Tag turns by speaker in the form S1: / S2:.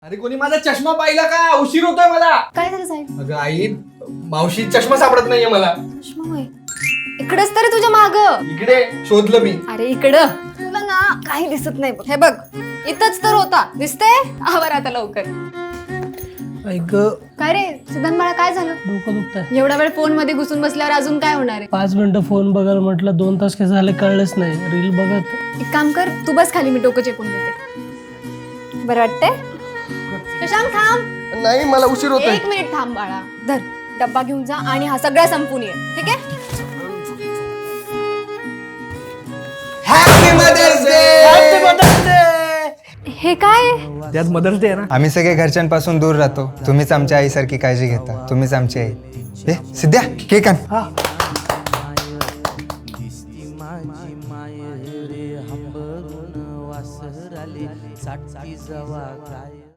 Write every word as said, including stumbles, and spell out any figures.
S1: अरे कोणी माझा चष्मा पाहिला का? उशीर होतोय मला.
S2: काय झालं साहेब?
S1: अगं आई, मावशी चष्मा सापडत नाहीये मला.
S2: चष्मा होय. इकडेच तरी तुझ्या माग.
S1: इकडे शोधलं मी.
S2: अरे इकडं तुला ना काही दिसत नाही बघ. हे बघ इथंच तर होता. दिसतंय? आवर आता लवकर.
S3: ऐक
S2: काय रे सिद्धांत बाळा, काय झालं?
S3: डोकं दुखतंय.
S2: एवढा वेळ फोन मध्ये घुसून बसल्यावर अजून काय होणार आहे?
S3: पाच मिनिटं फोन बघायला म्हटलं, दोन तास कसे झाले कळलंच नाही. रील बघत.
S2: एक काम कर, तू बस खाली, मी डोकं चेपून देते. बरं वाटतंय? शशांक थांब.
S1: नाही, मला उशीर होतोय.
S2: एक मिनिट थांब बाळा. धर डब्बा घेऊन जा आणि हा सगळा संपून ये. ठीक आहे?
S1: Happy mother's day.
S2: हे काय?
S1: त्यात मदर्स डे आहे ना.
S4: आम्ही सगळे घरच्यांपासून दूर राहतो. तुम्हीच आमच्या आईसारखी काळजी घेता. तुम्हीच आमची आई. ए सिद्ध्या, केक आण.
S5: माय रे हंबरून वासराले साठची जवा काय